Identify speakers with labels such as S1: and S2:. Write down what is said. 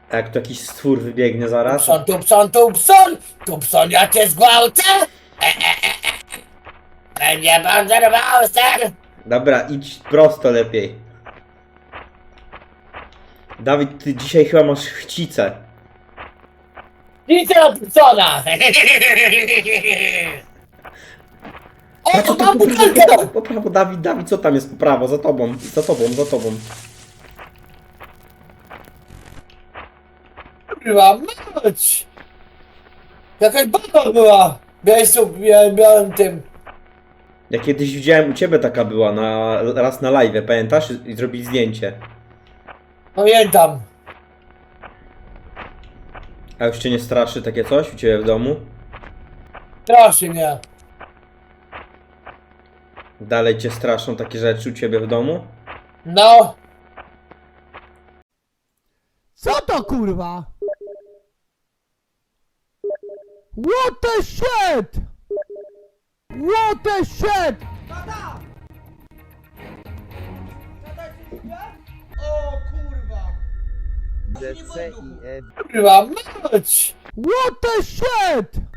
S1: A jak tu jakiś stwór wybiegnie zaraz?
S2: Tupson, ja cię zgwałcę! Będzie pan zerwał, ser!
S1: Dobra, idź prosto lepiej. Dawid, ty dzisiaj chyba masz chcicę.
S2: Idź do Tupsona! O, to mam butelkę!
S1: Po prawo, Dawid, co tam jest po prawo? Za tobą, za tobą, za tobą.
S2: Kurwa, mać! Jakaś baba była! Miałem tym.
S1: Ja kiedyś widziałem u ciebie taka była, raz na live, pamiętasz? I zrobić zdjęcie.
S2: Pamiętam.
S1: A już cię nie straszy takie coś u ciebie w domu?
S2: Straszy mnie.
S1: Dalej cię straszą takie rzeczy u ciebie w domu?
S2: No.
S3: Co to kurwa? What the shit? What the shit?
S2: Kurwa, mać!
S3: What the shit?